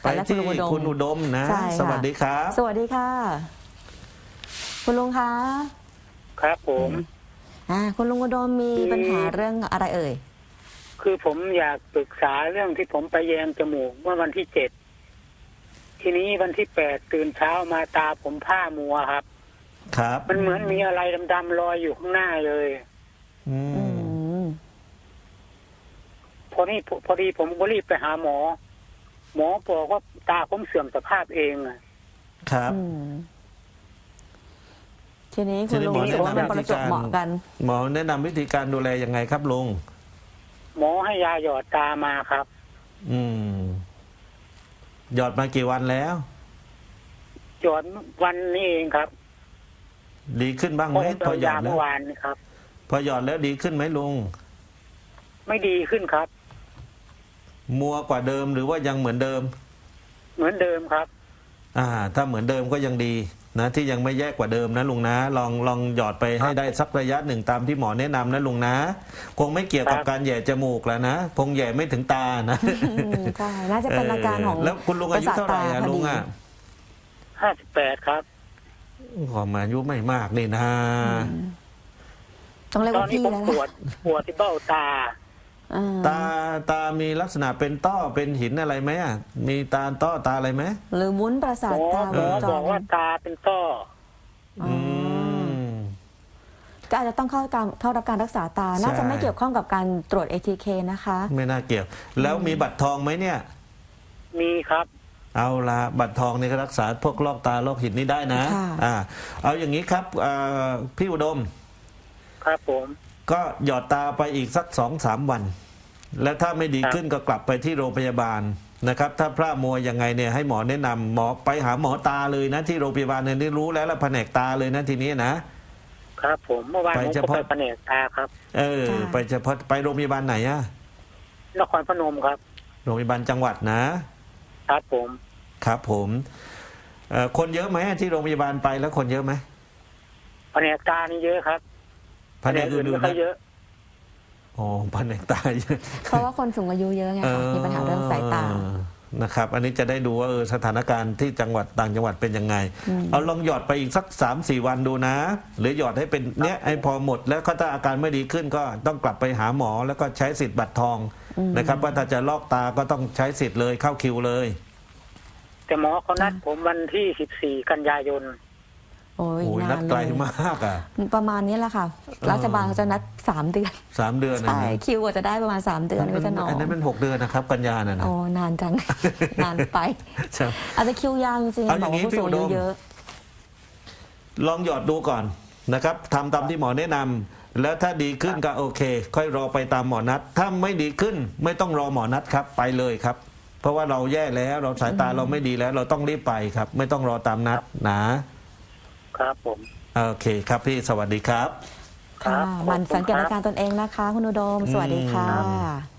ไปที่คุณอุดมนะสวัสดีครับสวัสดีค่ะคุณลุงคะครับผมคุณลุงอุดมมีปัญหาเรื่องอะไรเอ่ยคือผมอยากปรึกษาเรื่องที่ผมไปแยงจมูกเมื่อวันที่7ทีนี้วันที่8ตื่นเช้ามาตาผมผ้ามัวครับครับมันเหมือนมีอะไรดำๆลอยอยู่ข้างหน้าเลยพอดีผมก็รีบไปหาหมอบอกว่าตาผมเสื่อมสภาพเองครับทีนี้คุณลุงรู้สึกว่ามันประจวบเหมาะกันหมอแนะนำวิธีการดูแลยังไงครับลุงหมอให้ยาหยอดตามาครับหยอดมากี่วันแล้วหยอดวันนี้เองครับดีขึ้นบ้างไหมพอหยอดแล้วครับพอหยอดแล้วดีขึ้นไหมลุงไม่ดีขึ้นครับมัวกว่าเดิมหรือว่ายังเหมือนเดิมเหมือนเดิมครับถ้าเหมือนเดิมก็ยังดีนะที่ยังไม่แย่กว่าเดิมนะลุงนะลองหยอดไปให้ได้สักระยะหนึ่งตามที่หมอแนะนำนะลุงนะคงไม่เกี่ยวกับการแย่จมูกแล้วนะคงแย่ไม่ถึงตานะใช่น่าจะเป็นอาการของแล้วคุณลุงอายุเท่าไหร่ลุง 58ครับความอายุไม่มากนี่นะต้องเรียกว่าพี่แล้วปวดที่เบ้าตาตามีลักษณะเป็นต้อเป็นหินอะไรไหมมีตาต้อตาอะไรไหมหรือวุ้นประสาทตาบอกว่าตาเป็นต้อก็อาจจะต้องเข้ารับการรักษาตาน่าจะไม่เกี่ยวข้องกับการตรวจ ATK นะคะไม่น่าเกี่ยวแล้วมีบัตรทองไหมเนี่ยมีครับเอาละบัตรทองนี่ก็รักษาพวกลอกตาลอกหินนี่ได้นะเอาอย่างนี้ครับพี่อุดมครับผมก็หยอดตาไปอีกสัก2-3 วันแล้วถ้าไม่ดีขึ้นก็กลับไปที่โรงพยาบาลนะครับถ้าพระมัวยังไงเนี่ยให้หมอแนะนำหมอไปหาหมอตาเลยนะที่โรงพยาบาลเนี่ยรู้แล้วแผนกตาเลยนะทีนี้นะครับผมเมื่อวานผมก็ไปแผนกตาครับไปเฉพาะไปโรงพยาบาลไหนนครพนมครับโรงพยาบาลจังหวัดนะครับผมคนเยอะไหมที่โรงพยาบาลไปแล้วคนเยอะไหมแผนกตานี่เยอะครับแผนกอื่นๆเยอะแผนกตาเยอะเพราะว่าคนสูงอายุเยอะไงคะมีปัญหาเรื่องสายตานะครับอันนี้จะได้ดูว่าสถานการณ์ที่จังหวัดต่างจังหวัดเป็นยังไงเอาลองหยอดไปอีกสัก3-4 วันดูนะหรือหยอดให้เป็นเนี้ยให้พอหมดแล้วถ้าอาการไม่ดีขึ้นก็ต้องกลับไปหาหมอแล้วก็ใช้สิทธิ์บัตรทองนะครับว่าถ้าจะลอกตาก็ต้องใช้สิทธิ์เลยเข้าคิวเลยแต่หมอเขานัดผมวันที่14 กันยายนโอ้ยนัดไกลมากประมาณนี้แหละค่ะรัฐบาลเขาจะนัด3 เดือน 3 เดือนใช่คิวจะได้ประมาณ3 เดือนก็จะนอนอันนั้นเป็น6 เดือนนะครับกันยานะนานจังนานไปอาจจะคิวยาวจริงๆบอกว่าผู้สูงอายุเยอะลองหยอดดูก่อนนะครับทำตามที่หมอแนะนำแล้วถ้าดีขึ้นก็โอเคค่อยรอไปตามหมอนัดถ้าไม่ดีขึ้นไม่ต้องรอหมอนัดครับไปเลยครับเพราะว่าเราแย่แล้วเราสายตาเราไม่ดีแล้วเราต้องรีบไปครับไม่ต้องรอตามนัดนะครับผมโอเคครับพี่สวัสดีครับค่ะมันสังเกตอาการตนเองนะคะคุณอุดมสวัสดีค่ะ